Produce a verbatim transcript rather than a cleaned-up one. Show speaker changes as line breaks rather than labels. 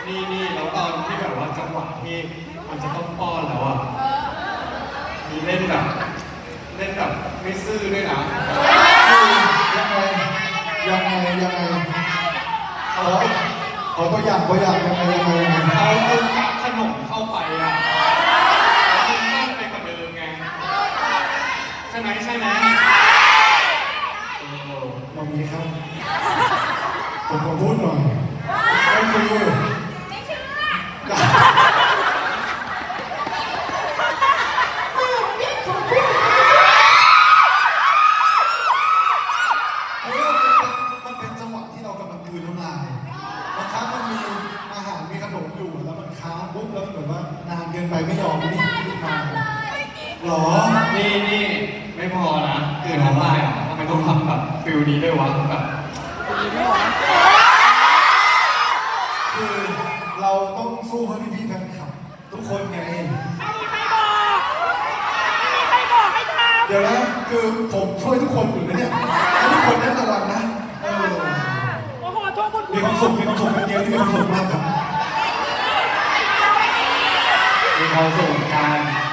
นี่นี่แล้วตอนที่แบบว่าจังหวะที่มันจะต้องป้อนแล้วอ่ะมีเล่นแบบเล่นแบบไม่ซื่อด้วยนะ
ยังไงยังไงยังไงขอขอตัวอย่างตัวอย่างยังไงยังไงยังไง
เขาเอากับขนมเข้าไปอ่ะแล้วมันมากไปกว่าเดิมไงใช่ไหมใช่ไหม
มองนี้ครับผมขอพูดหน่อยไม่คือ
ไม่เชื่อ
มันเป็นจังหวะที่เรากำลังกลืนน้ำลายบางครั้งมันมีอาหารมีขนมอยู่แล้วมันค้างปุ๊บแล้วเหมือนว่านานเกินไปไม่ยอมนี่นี่มาหรอ
นี่นี่ไม่พอนะตื่นน้ำลายอ่ะทำไมต้องทำแบบฟิลนี้ด้วยวะแบบ
คือเราต้องสู้เพื่อพี่ๆแฟนคลับทุกคนไงเดี๋ยวนะคือผมช่วยทุกคนอยู่นะเนี่ยให้ทุกคนได้รางวัลนะเออมีความสุขมีความสุขเป็นเดียวที่มีความสุขมากครับ
มีความสุขกัน